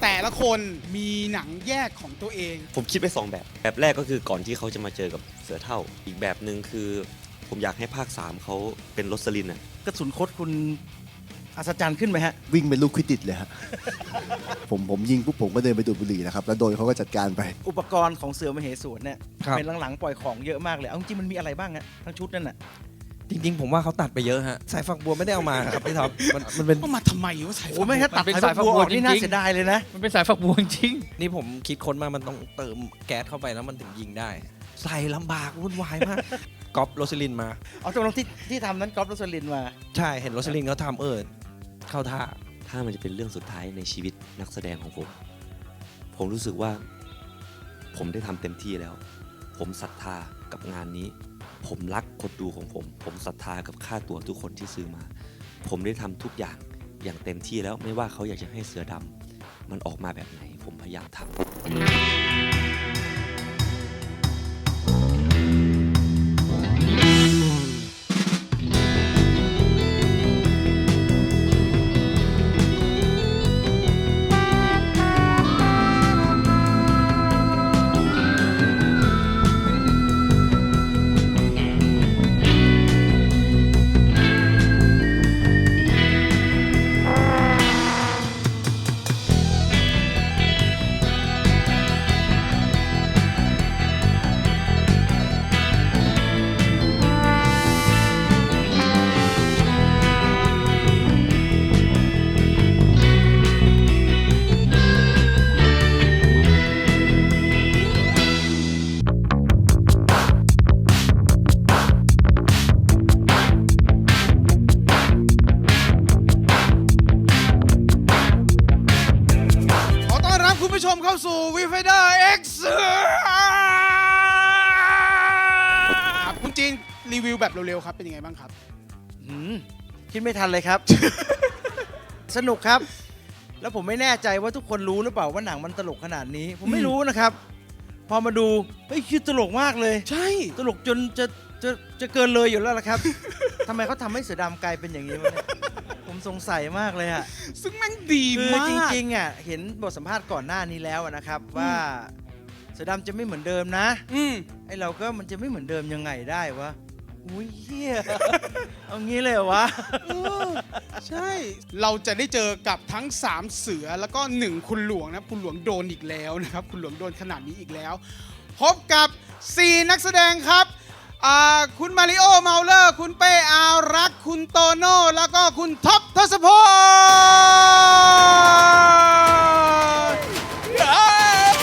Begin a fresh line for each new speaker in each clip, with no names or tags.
แต่ละคนมีหนังแยกของตัวเอง
ผมคิดไป2แบบแรกก็คือก่อนที่เขาจะมาเจอกับเสือเท่าอีกแบบหนึ่งคือผมอยากให้ภาค3เขาเป็นโรสลินอ่ะ
กระสุนคดคุณอัศจรรย์ขึ้นไหมฮะ
วิ่งเป็นลูกควิดดิชเลยฮะ ผมยิงปุ๊บผมก็เดินไปดูดบุหรี่นะครับแล้วโดนเขาก็จัดการไป
อุปกรณ์ของเสือมเหสวนเนี่ย
ครับ
เป็นหลังๆปล่อยของเยอะมากเลยเอาจริงๆมันมีอะไรบ้างฮะทั้งชุดนั่นน่ะ
จริงๆผมว่าเขาตัดไปเยอะฮะสายฝักบัวไม่ได้เอามาครับพี่ท็อปมันเป็น
ก็มาทำไมวะสาย
โอ้ไม่ถ้าตัด
มันเป็น
สายฝักบัวออก
สายฝักบัว
นี่น่า
จริงๆ
เสียดายเลยนะ
มันเป็นสายฝักบัวจริง
นี่ผมคิดค้นมามันต้องเติมแก๊สเข้าไปแล้วมันถึงยิงได้ ใส่ลำบากวุ่นวายมากก๊อปโรสลินมา
เอาตรงๆที่ทำนั้นก๊อฟโรสลินมา
ใช่เห็นโรสลินเขาทำเข้าท่า
ถ้ามันจะเป็นเรื่องสุดท้ายในชีวิตนักแสดงของผมรู้สึกว่าผมได้ทำเต็มที่แล้ว ผมศรัทธากับงานนี้ ผมรักคนดูของผมศรัทธากับค่าตัวทุกคนที่ซื้อมา ผมได้ทำทุกอย่างเต็มที่แล้วไม่ว่าเขาอยากจะให้เสือดำมันออกมาแบบไหน ผมพยายามทำ
ขอต้อนรับคุณผู้ชมเข้าสู่วีไฟเดอร์เอ็กซ์ครับคุณจีนรีวิวแบบเร็วๆครับเป็นยังไงบ้างครับ
คิดไม่ทันเลยครับ สนุกครับ แล้วผมไม่แน่ใจว่าทุกคนรู้หรือเปล่าว่าหนังมันตลกขนาดนี้ ผมไม่รู้นะครับ พอมาดูเฮ้ยคือตลกมากเลย
ใช่
ตลกจนจะเกินเลยอยู่แล้วล่ะครับ ทำไมเขาทำให้เสือดำกลายเป็นอย่างนี้วะเนี่ยผมสงสัยมากเลยฮะ
ซึ่งแม่งดี
คือ
มาก
จริงๆอ่ะเห็นบทสัมภาษณ์ก่อนหน้านี้แล้วนะครับ ว่าเสือดำจะไม่เหมือนเดิมนะ
อืม
ไอเราก็มันจะไม่เหมือนเดิมยังไงได้วะอุ้ยเฮีย เอางี้เลยเหรอวะ
ใช่ เราจะได้เจอกับทั้ง 3 เสือแล้วก็ 1 คุณหลวงนะคุณหลวงโดนอีกแล้วนะครับ คุณหลวงโดนขนาดนี้อีกแล้ว พบกับ 4 นักแสดงครับคุณมาริโอเมาเลอร์ คุณเป้อารักษ์คุณโตโน่แล้วก็คุณท็อปทศพล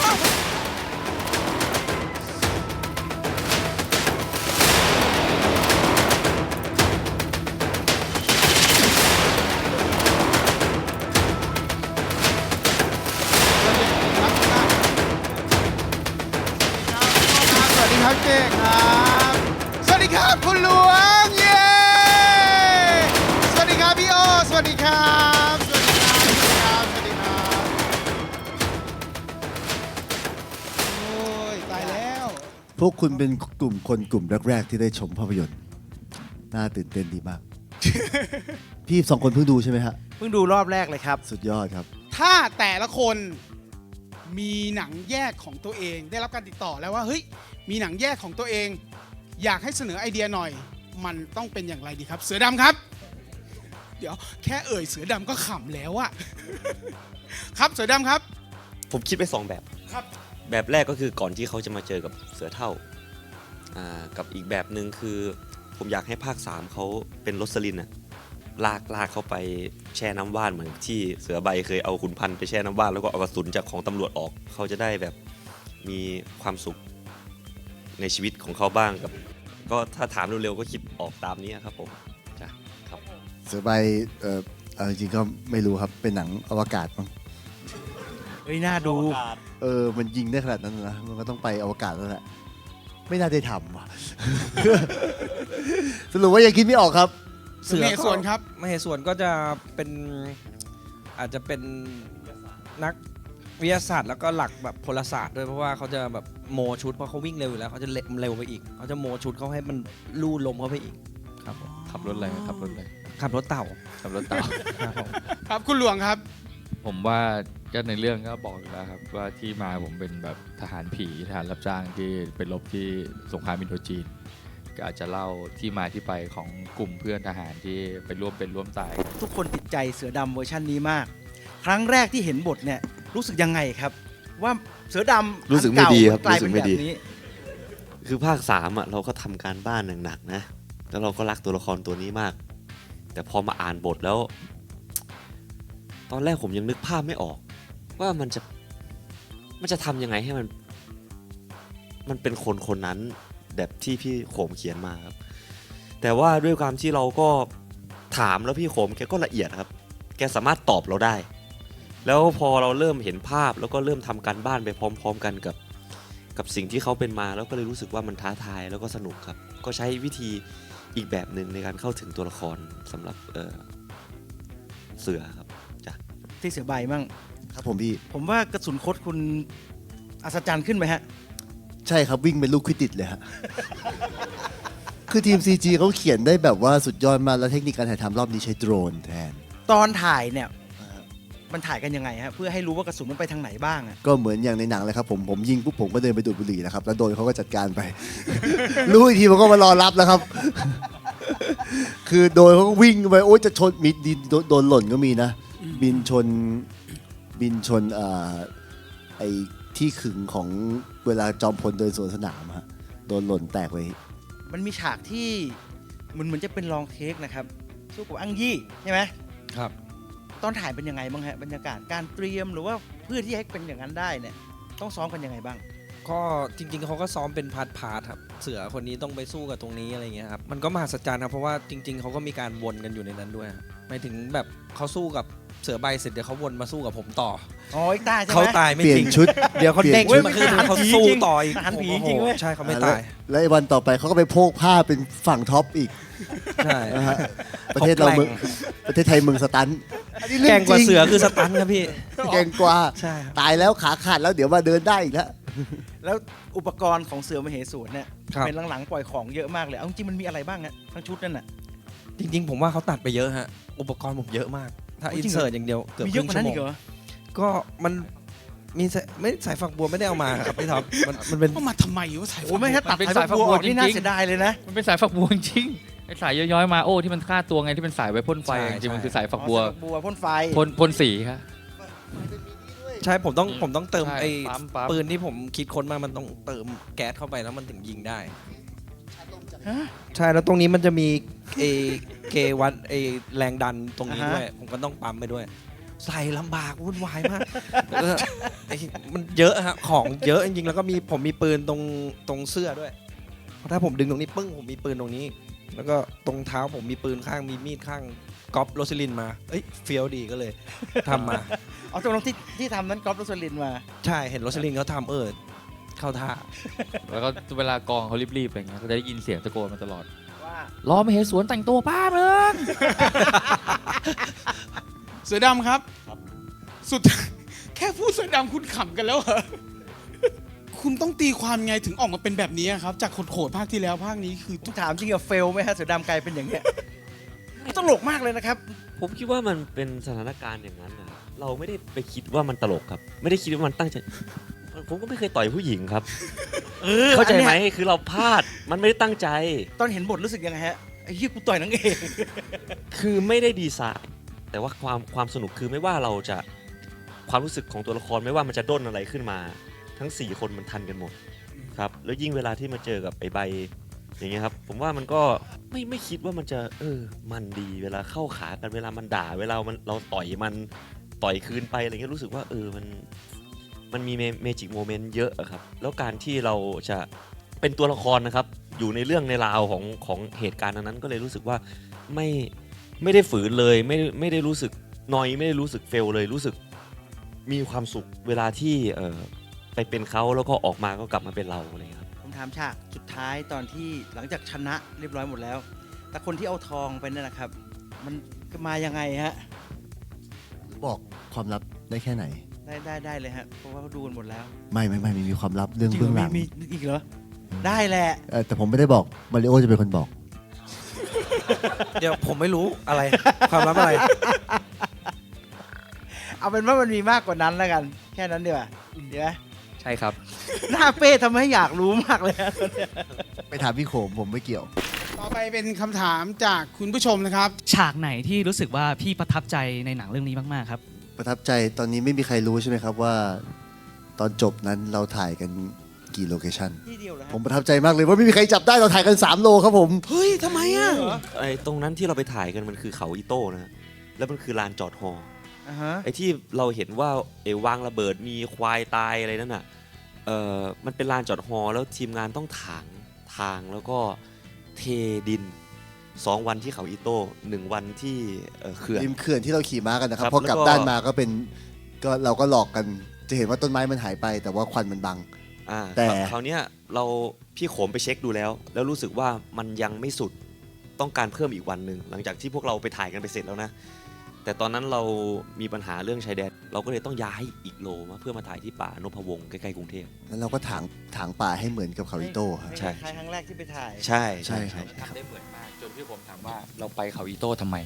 สวัสดีครับเจ๊ครับ สวัสดีครับคุณหลวงเย้สวัสดีครับพี่โอสวัสดีครับสวัสดีครับสวัสดีครับโอ้ยตายแล้ว
พวกคุณเป็นกลุ่มแรกๆที่ได้ชมภาพยนตร์น่าตื่นเต้นดีมาก พี่2 คนเพิ่งดูใช่ไหมฮะ
เพิ่งดูรอบแรกเลยครับ
สุดยอดครับ
ถ้าแต่ละคนมีหนังแยกของตัวเองได้รับการติดต่อแล้วว่าเฮ้ยมีหนังแยกของตัวเอง อยากให้เสนอไอเดียหน่อย มันต้องเป็นอย่างไรดีครับ เสือดำครับ เดี๋ยวแค่เอ่ยเสือดำก็ขำแล้วอะ ครับเสือดำครับ
ผมคิดไป2แบบ
ครับ
แบบแรกก็คือก่อนที่เขาจะมาเจอกับเสือเท่ากับอีกแบบหนึ่งคือผมอยากให้ภาค3เขาเป็นโรสลินอะลากเขาไปแช่น้ำว่านเหมือนที่เสือใบเคยเอาขุนพันธุ์ไปแช่น้ำว่านแล้วก็เอากระสุนจากของตำรวจออกเขาจะได้แบบมีความสุขในชีวิตของเขาบ้างกับก็ถ้าถามเร็วๆก็คิดออกตามนี้ครับผมจ้ะครับ
เสือใบจริงๆก็ไม่รู้ครับเป็นหนังอวกาศมั้ง
เฮ้ย น่าดู
มันยิงได้ขนาดนั้นนะมันก็ต้องไปอวกาศแล้วแหละไม่น่าได้ทำว่ะ สรุปว่ายังคิดไม่ออกครับ
เสือเหสวนครับ
มเหสวนก็จะเป็นอาจจะเป็นนักวิทยาศาสตร์แล้วก็หลักแบบพลศาสตร์ด้วยเพราะว่าเขาจะแบบโมชุดเพราะเขาวิ่งเร็วอยู่แล้วเขาจะเร็วไปอีกเขาจะโมชุดเขาให้มันลู่ลมเข้าไปอีกครับผม
ๆ ขับรถอะไรขับรถอะไร
ขับรถเต่า
ขับรถเต่า
ครับผม
ครับคุณหลวงครับ
ผมว่าก็ในเรื่องก็บอกอยู่แล้วครับว่าที่มาผมเป็นแบบทหารผีทหารรับจ้างที่ไปรบที่สงครามอินโดจีนก็อาจจะเล่าที่มาที่ไปของกลุ่มเพื่อนทหารที่ไปร่วมเป็นร่วมตาย
ทุกคนติดใจเสือดำเวอร์ชันนี้มาก ครั้งแรกที่เห็นบทเนี่ยรู้สึกยังไงครับ ว่าเสือดำ
รู้สึกไม่ดีครับ
กลายเป็น
รู้สึกไม่
แบบ
ดี
นี้
คือภาค3อ่ะเราก็ทำการบ้านหนักๆนะแล้วเราก็รักตัวละครตัวนี้มาก แต่พอมาอ่านบทแล้ว ตอนแรกผมยังนึกภาพไม่ออก ว่ามันจะทำยังไงให้มันเป็นคนคนนั้นแบบที่พี่โขมเขียนมาครับ แต่ว่าด้วยความที่เราก็ถามแล้วพี่โขมแกก็ละเอียดครับ แกสามารถตอบเราได้ แล้วพอเราเริ่มเห็นภาพแล้วก็เริ่มทำการบ้านไปพร้อมๆกันกับสิ่งที่เขาเป็นมาแล้วก็เลยรู้สึกว่ามันท้าทายแล้วก็สนุกครับ ก็ใช้วิธีอีกแบบหนึ่งในการเข้าถึงตัวละครสำหรับเสือครับจ้ะ
ที่เสือใบมั่ง
ครับผมพี่
ผมว่ากระสุนคดคุณอัศจรรย์ขึ้นไหมฮะ
ใช่ครับวิ่งเป็นลูกควิดดิชเลยฮะ คือทีม CG เขาเขียนได้แบบว่าสุดยอดมากแล้วเทคนิคการถ่ายทำรอบนี้ใช้โดรนแทน
ตอนถ่ายเนี่ยมันถ่ายกันยังไงฮะเพื่อให้รู้ว่ากระสุนมันไปทางไหนบ้างอะ
ก็เหมือนอย่างในหนังเลยครับผมยิงปุ๊บผมก็เดินไปดูดบุหรี่นะครับแล้วโดนเขาก็จัดการไป รู้อีกทีผมก็มารอรับแล้วครับ คือโดนเขาก็วิ่งไปโอ๊ยจะชนมีดินโดนหล่นก็มีนะ บินชนไอ้ที่ขึงของเวลาจอมพลเดินสวนสนามฮะโดนหล่นแตกไป
มันมีฉากที่มันเหมือนจะเป็นลองเทคนะครับสู้กับอังยี่ใช่ไหม
ครับ
ตอนถ่ายเป็นยังไงบ้างฮะบรรยากาศการเตรียมหรือว่าเพื่อที่ให้เป็นอย่างนั้นได้เนี่ยต้องซ้อมกันยังไงบ้าง
ก็จริงๆเขาก็ซ้อมเป็นพาร์ทครับ เสือคนนี้ต้องไปสู้กับตรงนี้อะไรเงี้ยครับ มันก็มหัศจรรย์ครับเพราะว่าจริงๆเขาก็มีการวนกันอยู่ในนั้นด้วยครับหมายถึงแบบเขาสู้กับเสือใบเสร็จเดี๋ยวเขาวนมาสู้กับผมต่อ
อ๋ออีกตาใช่ไหม
เขาตายไม่
เปลี่ย
จ
น
ริง
ชุด
เดี๋ยวเขาเด้ง
เปลี่
ขึ้
ย
น
น
มาคือเขาสู้ต่ออีก
ทหารผีจริงเว้ย
ใช่เขาไม่ตาย
แล้วไอ้วันต่อไปเขาก็ไปโพกผ้าเป็นฝั่งท็อปอีก
ใช่
นะฮะประเทศเราเมืองประเทศไทยเมืองสตันอันนี้เรื่
แก
อ
ร่งกว่า
จริ
เสือคือสตันครับพี่
แกร่งกว่า
ใช่ครับ
ตายแล้วขาขาดแล้วเดี๋ยวมาเดินได้อีกแล้ว
แล้วอุปกรณ์ของเสือมเหสวนเนี่ย
ครับ
เป็นหลังๆปล่อยของเยอะมากเลยเอาจริงๆมันมีอะไรบ้างฮะทั้งชุดนั่นน่ะ
จริงๆผมว่าเขาตัดไปเยอะฮะอุปกรณ์ผมเยอะมาก ถ้า
โอ้
อิ
จริ
น
งเหรอ
เสิร์ตอย่างเดียวเกือบ
มี
ค
เย
รึ่
อะ
ง
กว่า
ชั่
นั้
วน โม
อี
ง
กเหรอ
ก็มันมีสายฝักบัวไม่ได้เอามาครับพี่ท็อปมันเป็น
ก็มาทำไมวะสาย
โอ้ไม่ถ้าตัด
มันเป็น
สาย
สาย
บัวออก
จริ
นี่
งๆ
น่าเสียดายเลยนะ
มันเป็นสายฝักบัวจริงๆไอ้สายย้อยๆมาโอ้ที่มันฆ่าตัวไงที่เป็นสายไว้พ่นไฟ
ใช่
จริงๆมัน
ใช่
คือสายฝักบัว
อ๋อสายบัวพ่นไฟ
พ่นสีครับ
ใช่ผมต้องเติม
ใช่
ไอ้
ปั๊ม
ปืนที่ผมคิดค้นมามันต้องเติมแก๊สเข้าไปแล้วมันถึงยิงได้
ฮะ
ใช่แล้วตรงนี้มันจะมีเอเกวัดไอแรงดันตรงนี้
อ่าฮะ
ด้วย ผมก็ต้องปั๊มไปด้วย ใส่ลำบากวุ่นวายมากแล้วก็ไอ้มันเยอะฮะของเยอะจริงๆแล้วก็ผมมีปืนตรงเสื้อด้วยเพราะถ้าผมดึงตรงนี้ปึ้งผมมีปืนตรงนี้ แล้วก็ตรงเท้าผมมีปืนข้างมีมีดข้างก๊อปโรซิลินมาเอ้ยเฟี้ยวดีก็เลยทำมา
เอาตรงที่ทำนั้นก๊อฟโรสลินมา
ใช่เห็นโรซิลินเขาทำเข้าท่า
แล้วก็เวลากองเขารีบๆอะไรเงี้ยก็จะได้ยินเสียงตะโกนมาตลอด
ว่า
รอมาเห็นสวนแต่งตัวป้าเมือง
เสือดำครับ สุด แค่พูดเสือดำคุณขำกันแล้วเหรอ คุณต้องตีความไงถึงออกมาเป็นแบบนี้ครับ จากโขดๆภาคที่แล้วภาคนี้คือ
ทุกถามจริงอะเฟลไหมฮะเสือดำกลายเป็นอย่างเงี้ยตลกมากเลยนะครับ
ผมคิดว่ามันเป็นสถานการณ์อย่างนั้นนะครับเราไม่ได้ไปคิดว่ามันตลกครับ ไม่ได้คิดว่ามันตั้งใจ ผมก็ไม่เคยต่อยผู้หญิงครับ เข้าใจไหมคือเราพลาดมันไม่ได้ตั้งใจ
ตอนเห็นบทรู้สึกยังไงฮะไอ้เหี้ยกูต่อยนางเอก
คือไม่ได้ดีไซน์แต่ว่าความสนุกคือไม่ว่าเราจะความรู้สึกของตัวละครไม่ว่ามันจะด้นอะไรขึ้นมา ทั้ง 4 คนมันทันกันหมดครับแล้วยิ่งเวลาที่มาเจอกับไอ้ใบอย่างเงี้ยครับผมว่ามันก็ไม่คิดว่ามันจะมันดีเวลาเข้าขากันเวลามันด่าเวลาเราต่อยมันต่อยคืนไปอะไรเงี้ยรู้สึกว่ามันมีเมจิกโมเมนต์เยอะอะครับแล้วการที่เราจะเป็นตัวละครนะครับอยู่ในเรื่องในราวของเหตุการณ์นั้นก็เลยรู้สึกว่าไม่ได้ฝืนเลยไม่ได้รู้สึกนอยไม่ได้รู้สึกเฟลเลยรู้สึกมีความสุขเวลาที่ไปเป็นเขาแล้วก็ออกมาก็กลับมาเป็นเราอะไรอย่างเงี้ยครับ
ผมถามฉากสุดท้ายตอนที่หลังจากชนะเรียบร้อยหมดแล้ว แต่คนที่เอาทองไปนั่นนะครับ มันมายังไงฮะ
บอกความลับได้แค่ไหน
ได้เลยฮะเพราะว่าเขาดูกันหมดแล้ว
ไม่มีความลับเรื่องเบื้องหลัง
มีอีกเหรอได้แหละ
แต่ผมไม่ได้บอกมาริโอจะเป็นคนบอก
เดี๋ยวผมไม่รู้อะไรความลับอะไร
เอาเป็นว่ามันมีมากกว่านั้นแล้วกัน แค่นั้นดีกว่าดีไหม
ใช่ครับ
หน้าเป้ทำให้อยากรู้มากเลยนะ
ไปถามพี่โขมผมไม่เกี่ยว
ต่อไปเป็นคำถามจากคุณผู้ชมนะครับ
ฉากไหนที่รู้สึกว่าพี่ประทับใจในหนังเรื่องนี้มากๆครับ
ประทับใจตอนนี้ไม่มีใครรู้ใช่ไหมครับว่า ตอนจบนั้นเราถ่ายกันกี่โลเคชั่น
ที่เดียวเหรอ
ผมประทับใจมากเลยว่าไม่มีใครจับได้เราถ่ายกัน 3 โลครับผม
เฮ้ยทำไมอ่ะ
ไอ้ตรงนั้นที่เราไปถ่ายกันมันคือเขาอีโต้นะ แล้วมันคือลานจอดฮอ
อ่าฮะ
ไอ้ที่เราเห็นว่าวางระเบิดมีควายตายอะไรนั่นน่ะมันเป็นลานจอดฮอแล้วทีมงานต้องถางทางแล้วก็เทดิน 2 วันที่เขาอีโต้1 วันที่เขื่อน
ริมเขื่อนที่เราขี่ม้ากันนะครับ
ครับ
พอกลับ
แล้วก็
ด้านมาก็เป็นก็เราก็หลอกกันจะเห็นว่าต้นไม้มันหายไป แต่ว่าควันมันบัง แต่
คราวเนี้ยพี่โขมไปเช็คดูแล้ว แล้วรู้สึกว่ามันยังไม่สุดต้องการเพิ่มอีกวันหนึ่งหลังจากที่พวกเราไปถ่ายกันไปเสร็จแล้วนะ แต่ตอนนั้นเรามีปัญหาเรื่องชายแดนเราก็เลยต้องย้ายอีกโลมาเพื่อมาถ่ายที่ป่านพวงศ์ใกล้ๆกรุงเทพ
แล้วเราก็ถางป่าให้เหมือนกับเขาอิโต้ครับ
ใช่
ครั้งแรกที่ไปถ่าย
ใช่
ใช่ครับ
ทำได้เหมือนมาก จนพี่ผมถามว่าเราไปเขาอีโต้ทำไม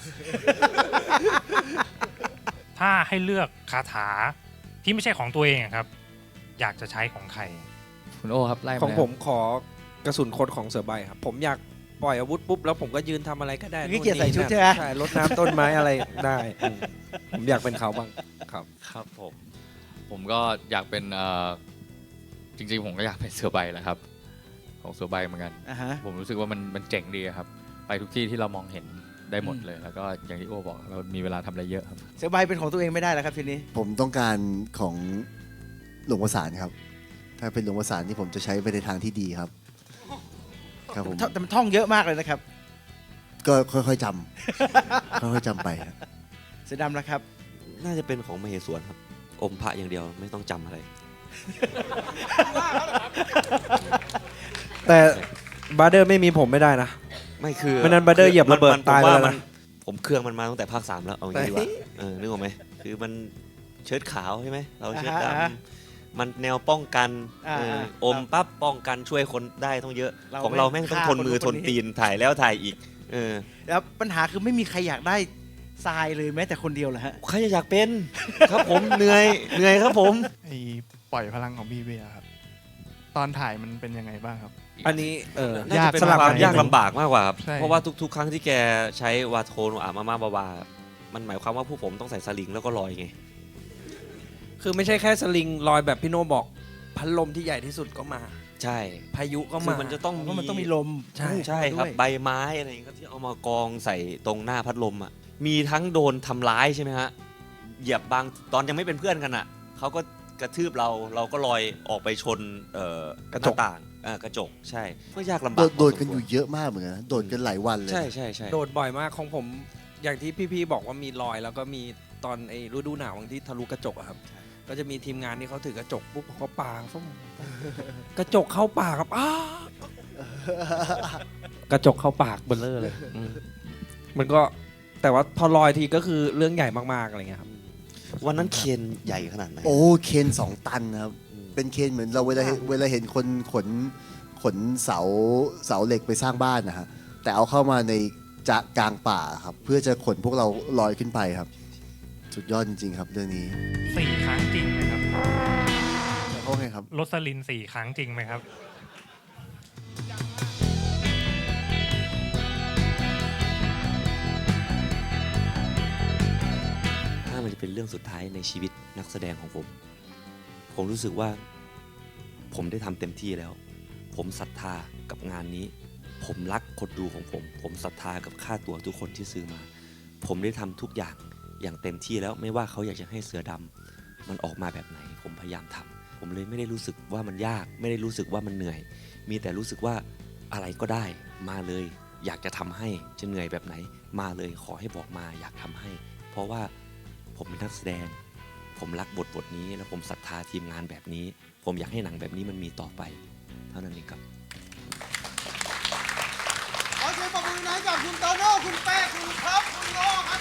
ถ้าให้เลือกคาถาที่ไม่ใช่ของตัวเองอะครับ อยากจะใช้ของใคร
คุณโอครับไล่า
ของ
เลย
ผมขอกระสุนคดของเสือใบครับ ผมอยากปล่อยอาวุธปุ๊บแล้วผมก็ยืนทำอะไรก็ได้
ขี้เกียจใส่ชุด
นู่น
ใช่ไหม
นี่นั่นใช่รดน้ำต้นไม้อะไรได้ผมอยากเป็นเขาบ้างครับ
ครับผมก็อยากเป็นจริงๆผมก็อยากเป็นเสือใบแหละครับ ของเสือใบเหมือนกัน
อ่าฮะ
ผมรู้สึกว่ามันเจ๋งดีครับ ไปทุกที่ที่เรามองเห็นได้หมดเลย แล้วก็อย่างที่โอบอกเรามีเวลาทำอะไรเยอะครับ
เสือใบเป็นของตัวเองไม่ได้แล้วครับทีนี้
ผมต้องการของหลวงประสานครับ ถ้าเป็นหลวงประสานที่ผมจะใช้ไปในทางที่ดีครับ ครับผม
แต่มันท่องเยอะมากเลยนะครับ
ก็ค่อยๆจำ ค่อยๆจำไปครับ
เสือดำนะครับ
น่าจะเป็นของมเหสวนครับอมพระอย่างเดียวไม่ต้องจำอะไร
แต่บาร์เดอร์ไม่มีผมไม่ได้นะ
ไม่คือ
ไม่นั้น Brother เหยียบระเบิด
มัน
ตาย
ผมว่า
ไปแล้วนะ
ผมเครื่องมันมาตั้งแต่ภาค 3 แล้วเอาอย่างนี้ดีกว่านึกออกไหมคือมันเชิ้ตขาวใช่ไหมเราเชิ้ตด
อ่าฮะ
ำมันแนวป้องกัน
อ่า
อมปั๊บป้องกันช่วยคนได้ต้องเยอะ
เรา
ของเราแม่งต้อง
ฆ่า
ทนมือ
คน
ท
นู้
น
นคนนี้
ตีนถ่ายแล้วถ่ายอีกเ
แล้วปัญหาคือไม่มีใครอยากได้ทรายเลยแม้แต่คนเดียวเหรอฮะ
ใครจะอยากเป็น ครับผมเหนื่อยครับผม
ไอ้ปล่อยพลังของพี่เบียร์ครับ ตอนถ่ายมันเป็นยังไงบ้างครับ
อันนี้
น่าจะเป็น
สลับ
ควา
กั
ม
น
ยากลำบากมากกว่าครับ
ใช่
เพราะว่าทุกๆ ครั้งที่แกใช้วาโทนมาบามันหมายความว่าผู้ผมต้องใส่สลิงแล้วก็ลอยไง
คือไม่ใช่แค่สลิงลอยแบบพี่โนบอกพัดลมที่ใหญ่ที่สุดก็มา
ใช่
พายุก็
คื
มา
อมันจะต้อง
เพราะมันต้องมีลม
ใช่
ใช่ครับ
ด้วย
ใบไม้อะไรอย่างเงี้ยครับที่เอามากองใส่ตรงหน้าพัดลมอ่ะมีทั้งโดนทำร้ายใช่ไหมฮะเหยียบบางตอนยังไม่เป็นเพื่อนกันอ่ะเขาก็กระทืบเราก็ลอยออกไปชนกระจกต่างกระจกใช่ก็ยากลำบาก
โดดกันอยู่เยอะมากเหมือนกันนะโดดกันหลายวันเลย
ใช่ใช่ใช่
โดดบ่อยมากของผมอย่างที่พี่ๆบอกว่ามีรอยแล้วก็มีตอนไอ้ฤดูหนาวที่ทะลุกระจกอะครับ ก็จะมีทีมงานที่เขาถือกระจกปุ๊บเขาปาส้มกระจกเข้าปากครับอ้ากระจกเข้าปากเบลเลอร์เลยมันก็แต่ว่าพอลอยทีก็คือเรื่องใหญ่มากๆอะไรเงี้ยครับ
วันนั้นเคนใหญ่ขนาดไหน
โอ้เคน2 ตันนะครับ เป็นเคนเหมือนเราเวลาเห็นคนขนเสาเหล็กไปสร้างบ้านนะฮะแต่เอาเข้ามาในกลางป่าครับเพื่อจะขนพวกเราลอยขึ้นไปครับ สุดยอดจริงๆครับเรื่องนี้
4 ครั้งจริงไหมครับ
เขาไงครับ
รสลิน 4 ครั้งจริงไหมครับ
ถ้ามันจะเป็นเรื่องสุดท้ายในชีวิตนักแสดงของผม ผมรู้สึกว่าผมได้ทำเต็มที่แล้ว ผมศรัทธากับงานนี้ ผมรักคนดูของผม ผมศรัทธากับค่าตัวทุกคนที่ซื้อมา ผมได้ทำทุกอย่างเต็มที่แล้วไม่ว่าเขาอยากจะให้เสือดำมันออกมาแบบไหน ผมพยายามทำผมเลยไม่ได้รู้สึกว่ามันยาก ไม่ได้รู้สึกว่ามันเหนื่อย มีแต่รู้สึกว่าอะไรก็ได้มาเลย อยากจะทำให้จะเหนื่อยแบบไหนมาเลยขอให้บอกมาอยากทำให้ เพราะว่าผมเป็นนักแสดง ผมรักบทนี้แล้วผมศรัทธาทีมงานแบบนี้ ผมอยากให้หนังแบบนี้มันมีต่อไป เท่านั้นเองครับ
ขอเสียงปรบมือหน่อยกับคุณโตโน่คุณแป้คุณครับคุณโลครับ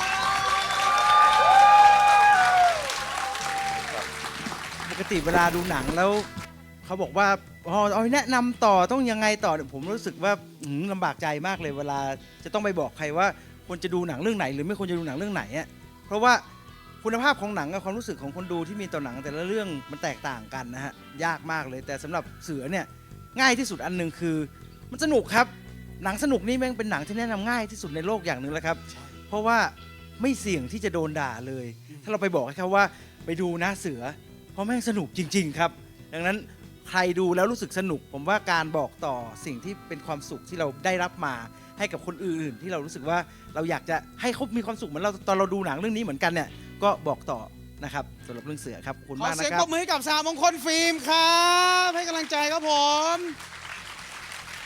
ผม
ปกติเวลาดูหนังแล้วเขาบอกว่าเอาแนะนำต่อต้องยังไงต่อผมรู้สึกว่าลำบากใจมากเลยเวลาจะต้องไปบอกใครว่าควรจะดูหนังเรื่องไหน หรือไม่ควรจะดูหนังเรื่องไหนอ่ะเพราะว่าคุณภาพของหนังกับความรู้สึกของคนดูที่มีต่อหนังแต่ละเรื่องมันแตกต่างกันนะฮะยากมากเลยแต่สำหรับเสือเนี่ยง่ายที่สุดอันหนึ่งคือมันสนุกครับหนังสนุกนี่แม่งเป็นหนังที่แนะนำง่ายที่สุดในโลกอย่างหนึ่งแล้วครับเพราะว่าไม่เสี่ยงที่จะโดนด่าเลย ถ้าเราไปบอกให้เขาว่าไปดูนะเสือเพราะแม่งสนุกจริง ๆ ครับ ดังนั้นใครดูแล้วรู้สึกสนุก ผมว่าการบอกต่อสิ่งที่เป็นความสุขที่เราได้รับมาให้กับคนอื่นๆที่เรารู้สึกว่าเราอยากจะให้เขามีความสุขเหมือนเราตอนเราดูหนังเรื่องนี้เหมือนกันเนี่ยก็บอกต่อนะครับสำหรับเรื่องเสือครับขอบคุณ
ขอ
มากนะ
เสียง
ครั
ปร
บ
บมือให้กับสามมงคลฟิล์มครับให้กำลังใจครับผม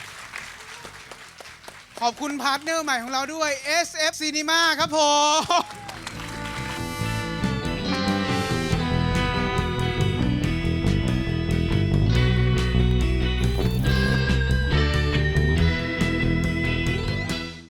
ขอบคุณพาร์ทเนอร์ใหม่ของเราด้วย SF Cinema ครับผม